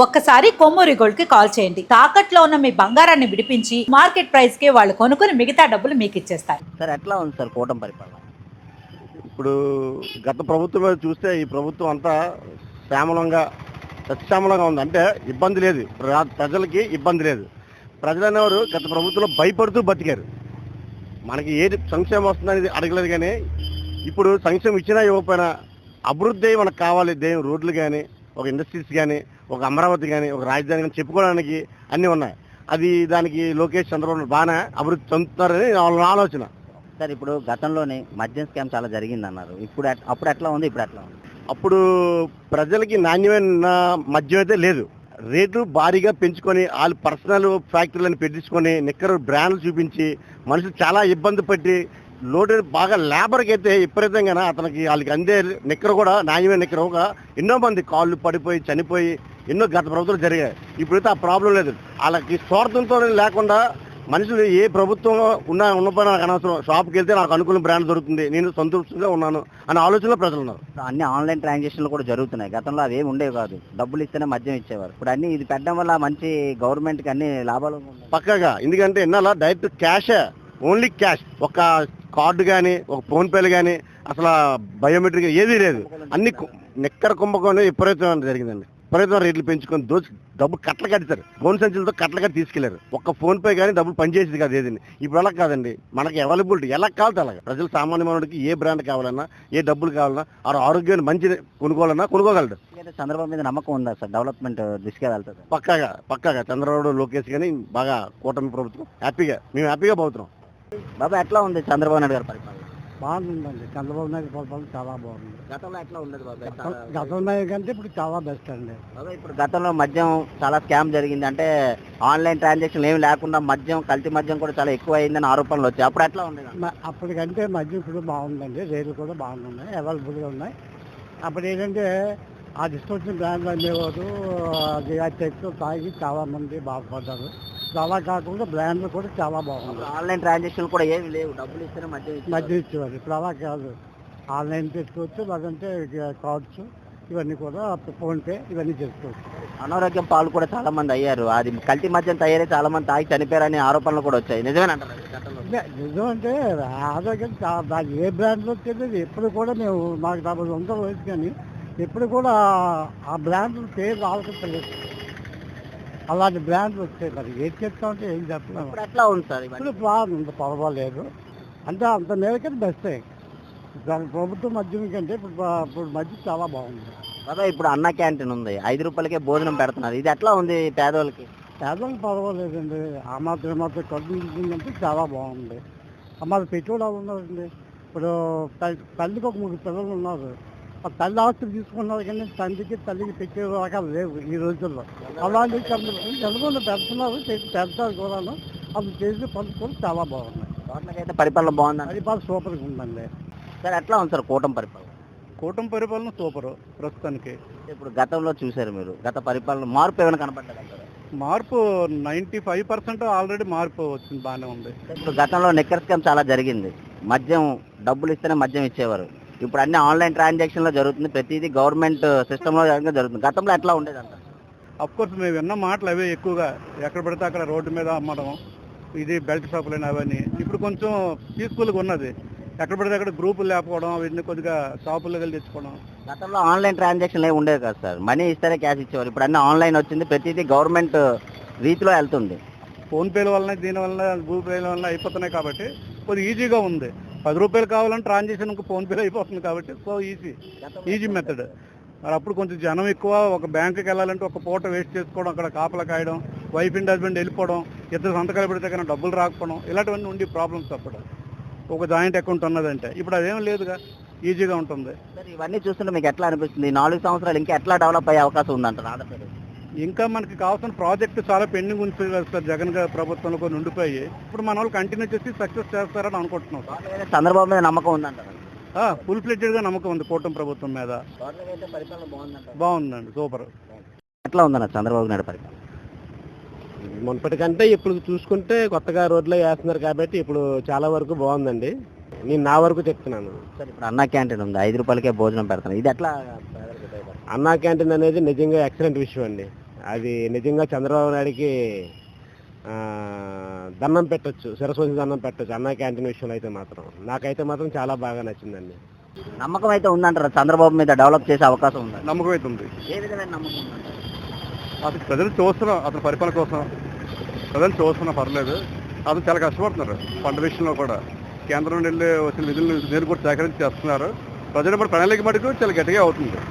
ఒక్కసారి కొమ్మూరి గోల్డ్ కి కాల్ చేయండి. తాకట్లో ఉన్న మీ బంగారాన్ని విడిపించి మార్కెట్ ప్రైస్ కి వాళ్ళు కొనుక్కుని మిగతా డబ్బులు మీకు ఇచ్చేస్తారు. సార్ ఎట్లా ఉంది సార్ కూటమి పరిపాలన? ఇప్పుడు గత ప్రభుత్వం మీద చూస్తే ఈ ప్రభుత్వం అంతా శ్యామలంగా సత్యామలంగా ఉంది. అంటే ఇబ్బంది లేదు, ప్రజలకి ఇబ్బంది లేదు. ప్రజలు అనేవారు గత ప్రభుత్వంలో భయపడుతూ బతికారు. మనకి ఏది సంక్షేమం వస్తుందనేది అడగలేదు. కానీ ఇప్పుడు సంక్షేమం ఇచ్చినా ఇవ్వకపోయినా అభివృద్ధి మనకు కావాలి. రోడ్లు కానీ, ఒక ఇండస్ట్రీస్ కానీ, ఒక అమరావతి కానీ, ఒక రాజధాని కానీ చెప్పుకోవడానికి అన్నీ ఉన్నాయి. అది దానికి లోకేష్ చంద్రబాబు బాగానే అభివృద్ధి చెందుతున్నారని వాళ్ళ ఆలోచన. సార్ ఇప్పుడు గతంలోనే మద్యం స్కామ్ చాలా జరిగింది అన్నారు. అప్పుడు ఎట్లా ఉంది, ఇప్పుడు ఎట్లా ఉంది? అప్పుడు ప్రజలకి నాణ్యమైన మద్యం అయితే లేదు. రేట్లు భారీగా పెంచుకొని వాళ్ళు పర్సనల్ ఫ్యాక్టరీలను పెట్టించుకొని నిక్కరు బ్రాండ్లు చూపించి మనుషులు చాలా ఇబ్బంది పట్టి లోటు బాగా లేబర్కి అయితే విపరీతంగా అతనికి వాళ్ళకి అందే నిక్కర కూడా నాణ్యమైన నిక్కర ఒక ఎన్నో మంది కాళ్ళు పడిపోయి చనిపోయి ఎన్నో గత ప్రభుత్వాలు జరిగాయి. ఇప్పుడైతే ఆ ప్రాబ్లం లేదు. వాళ్ళకి స్వార్థంతో లేకుండా మనుషులు ఏ ప్రభుత్వం ఉన్నపై నాకు అనవసరం, షాప్కి వెళ్తే నాకు అనుకూల బ్రాండ్ దొరుకుతుంది, నేను సంతృప్తిగా ఉన్నాను అనే ఆలోచనలో ప్రజలు ఉన్నారు. అన్ని ఆన్లైన్ ట్రాన్సాక్షన్లు కూడా జరుగుతున్నాయి. గతంలో అవి ఏమి ఉండేవి కాదు, డబ్బులు ఇస్తేనే మద్యం ఇచ్చేవారు. ఇప్పుడు అన్ని ఇది పెట్టడం వల్ల మంచి గవర్నమెంట్కి అన్ని లాభాలు పక్కాగా. ఎందుకంటే ఎన్నాళ్ళ డైరెక్ట్ క్యాషే, ఓన్లీ క్యాష్. ఒక కార్డు కానీ, ఒక ఫోన్పేలు కానీ, అసలు బయోమెట్రిక్ ఏదీ లేదు. అన్ని నిక్కర కుంభకోణం విపరీతం జరిగిందండి. విపరీతం రేట్లు పెంచుకొని డబ్బులు కట్టలు కట్టారు. ఫోన్ సంచులతో కట్టలు కట్టి తీసుకెళ్లారు. ఒక్క ఫోన్ పే కానీ డబ్బులు పనిచేసేది కాదు ఏదండి. ఇప్పుడు అలా కాదండి, మనకి అవైలబిలిటీ ఎలా కావాలి అలాగా. ప్రజలు సామాన్య మానవుడికి ఏ బ్రాండ్ కావాలన్నా, ఏ డబ్బులు కావాలన్నా, ఆరోగ్యాన్ని మంచి కొనుక్కోవాలన్నా కొనుక్కోగలడు. చంద్రబాబు మీద నమ్మకం ఉందా సార్? డెవలప్మెంట్ దిశగా వెళ్తుంది పక్కాగా చంద్రబాబు, లోకేష్ కానీ బాగా కూటమి ప్రభుత్వం మేము హ్యాపీగా పోతున్నాం. బాబా ఎట్లా ఉంది చంద్రబాబు నాయుడు గారి పరిపాలన? బాగుందండి. చంద్రబాబు నాయుడు పరిపాలన చాలా బాగుంది. గతంలో ఎట్లా ఉండదు బాబా? గతంలో కంటే ఇప్పుడు చాలా బెస్ట్ అండి. బాబా ఇప్పుడు గతంలో మద్యం చాలా స్కామ్ జరిగింది, అంటే ఆన్లైన్ ట్రాన్సాక్షన్ ఏమి లేకుండా మద్యం, కల్తీ మద్యం కూడా చాలా ఎక్కువ అయిందని ఆరోపణలు వచ్చాయి. అప్పుడు ఎట్లా ఉండేది? అప్పటికంటే మద్యం ఇప్పుడు బాగుందండి. రేట్లు కూడా బాగున్నాయి, అవైలబుల్గా ఉన్నాయి. అప్పుడు ఏంటంటే ఆ డిస్కౌంట్ బ్రాండ్లు అమ్మేవారు, అది ఆ చెక్స్ తాగి చాలా మంది బాధపడ్డారు. అలా కాకుండా బ్రాండ్లు కూడా చాలా బాగుంది. ఆన్లైన్ ట్రాన్సాక్షన్ కూడా ఏమి లేవు, డబ్బులు ఇస్తేనే మద్యం ఇచ్చేవారు. ఇప్పుడు అలా కాదు, ఆన్లైన్ చేసుకోవచ్చు, లేదంటే కార్డ్స్ ఇవన్నీ కూడా, ఫోన్పే ఇవన్నీ చేసుకోవచ్చు. అనారోగ్యం పాలు కూడా చాలా మంది అయ్యారు. అది కల్తీ మద్యం తయారై చాలా మంది తాగి చనిపోయారని ఆరోపణలు కూడా వచ్చాయి. నిజమేనంటారు? నిజం అంటే ఆరోగ్యం దాని ఏ బ్రాండ్లో తెలియదు. ఎప్పుడు కూడా మేము మాకు 40 సంవత్సరాలు వయసు, కానీ ఎప్పుడు కూడా ఆ బ్రాండ్లు పేరు ఆలోచించలేదు. అలాంటి బ్రాండ్లు వచ్చాయి. మరి ఏం చెప్తామంటే ఏం చెప్పలేము. ఎట్లా ఉంది సార్? ఇప్పుడు బాగుంది, పర్వాలేదు. అంటే అంత మేరకైతే బెస్టే. దాని ప్రభుత్వం మద్యం కంటే ఇప్పుడు మద్యం చాలా బాగుంది. కదా ఇప్పుడు అన్న క్యాంటీన్ ఉంది, 5 రూపాయలకే భోజనం పెడుతున్నారు. ఇది ఎట్లా ఉంది పేదవాళ్ళకి? పేదవాళ్ళకి పర్వాలేదండి. ఆ మాత్రం కడుపు నిండిందంటే చాలా బాగుంది. మాది పెట్టుబడి ఉన్నారండి. ఇప్పుడు తల్లికి ఒక 3 పిల్లలు ఉన్నారు. ఆ తల్లి ఆస్తులు తీసుకున్నారు, కానీ తండ్రికి తల్లికి పెట్టే రకాలు లేవు ఈ రోజుల్లో. అలాంటి తెలుగులో పెడుతున్నారు, పెడతారు కూడా. అవి చేసి పనులు చాలా బాగున్నాయి. అయితే పరిపాలన బాగుంది, పరిపాలన సూపర్గా ఉందండి. సార్ ఎట్లా ఉంది సార్ కూటమి పరిపాలన? కూటమి పరిపాలన సూపరు ప్రస్తుతానికి. ఇప్పుడు గతంలో చూసారు మీరు, గత పరిపాలన మార్పు ఏమైనా కనపడ్డదంటారు? మార్పు 95% ఆల్రెడీ మార్పు వచ్చింది, బాగానే ఉంది. ఇప్పుడు గతంలో నిక్కర్ స్కామ్ చాలా జరిగింది. మద్యం డబ్బులు ఇస్తేనే మద్యం ఇచ్చేవారు. ఇప్పుడు అన్ని ఆన్లైన్ ట్రాన్సాక్షన్లో జరుగుతుంది, ప్రతిదీ గవర్నమెంట్ సిస్టంలో జరుగుతుంది. గతంలో ఎట్లా ఉండేది అంటారు? అఫ్కోర్స్ మేము విన్న మాటలు అవే ఎక్కువగా, ఎక్కడ పడితే అక్కడ రోడ్డు మీద అమ్మడం, ఇది బెల్ట్ షాపులు అవన్నీ. ఇప్పుడు కొంచెం పీస్ఫుల్గా ఉన్నది. ఎక్కడ పడితే అక్కడ గ్రూపులు లేకపోవడం, వీటిని కొద్దిగా షాపుల్లో వెళ్ళి తెచ్చుకోవడం. గతంలో ఆన్లైన్ ట్రాన్సాక్షన్లు ఏమి ఉండేవి కదా సార్, మనీ ఇస్తేనే క్యాష్ ఇచ్చేవారు. ఇప్పుడు అన్ని ఆన్లైన్ వచ్చింది, ప్రతిదీ గవర్నమెంట్ రీతిలో వెళ్తుంది. ఫోన్పేల వలన, దీనివల్ల గూగుల్ పేల వల్ల అయిపోతున్నాయి కాబట్టి కొద్దిగా ఈజీగా ఉంది. 10 రూపాయలు కావాలని ట్రాన్సాక్షన్ ఫోన్పేలో అయిపోతుంది కాబట్టి సో ఈజీ మెథడ్. మరి అప్పుడు కొంచెం జనం ఎక్కువ, ఒక బ్యాంకుకి వెళ్ళాలంటే ఒక పూట వేస్ట్ చేసుకోవడం, అక్కడ కాపలా కాయడం, వైఫ్ అండ్ హస్బెండ్ వెళ్ళిపోవడం, ఇద్దరు సంతకాలు పెడితే కానీ డబ్బులు రాకపోవడం, ఇలాంటివన్నీ ఉండి ప్రాబ్లమ్స్. అప్పుడు ఒక జాయింట్ అకౌంట్ ఉన్నదంటే ఇప్పుడు అదేం లేదుగా, ఈజీగా ఉంటుంది. సార్ ఇవన్నీ చూస్తుంటే మీకు ఎట్లా అనిపిస్తుంది? 4 సంవత్సరాలు ఇంకా ఎట్లా డెవలప్ అయ్యే అవకాశం ఉందంటారు ఆంధ్రప్రదేశ్? ఇంకా మనకి కావాల్సిన ప్రాజెక్టు చాలా పెండింగ్ ఉంది సార్. జగన్ గారి ప్రభుత్వంలో కొన్ని ఉండిపోయి ఇప్పుడు మన వాళ్ళు కంటిన్యూ చేసి సక్సెస్ చేస్తారని అనుకుంటున్నాం. చంద్రబాబు మీద నమ్మకం ఉందంటారు? ఫుల్ ఫ్లెడ్జెడ్గా నమ్మకం ఉంది కూటమి ప్రభుత్వం మీద. బాగుందండి, సూపర్. ఎట్లా ఉందన్న చంద్రబాబు నాయుడు పరిపాలన? మునుపటికంటే ఇప్పుడు చూసుకుంటే కొత్తగా రోడ్లో వేస్తున్నారు కాబట్టి ఇప్పుడు చాలా వరకు బాగుందండి. నేను నా వరకు చెప్తున్నాను. సార్ ఇప్పుడు అన్నా క్యాంటీన్ ఉంది, 5 రూపాయలకే భోజనం పెడతాను, ఇది ఎట్లా? అన్నా క్యాంటీన్ అనేది నిజంగా ఎక్సలెంట్ విషయం అండి. అది నిజంగా చంద్రబాబు నాయుడికి దండం పెట్టొచ్చు, శిరస్సు దండం పెట్టొచ్చు అన్న క్యాంటీన్ విషయంలో అయితే మాత్రం. నాకైతే మాత్రం చాలా బాగా నచ్చిందండి. నమ్మకం అయితే ఉందంటారా చంద్రబాబు మీద డెవలప్ చేసే అవకాశం ఉందా? నమ్మకం అయితే ఉంది. ఏ విధమైన నమ్మకం ఉందంటారు? అతను ప్రజలు చూస్తున్నాం, అతని పరిపాలన కోసం ప్రజలు చూస్తున్నా పర్లేదు. అతను చాలా కష్టపడుతున్నారు పంట విషయంలో కూడా. కేంద్రం నుండి వెళ్ళి వచ్చిన నిధులను కూడా సేకరించి చేస్తున్నారు. ప్రజలు కూడా ప్రణాళిక మటుకు చాలా గట్టిగా అవుతుంది.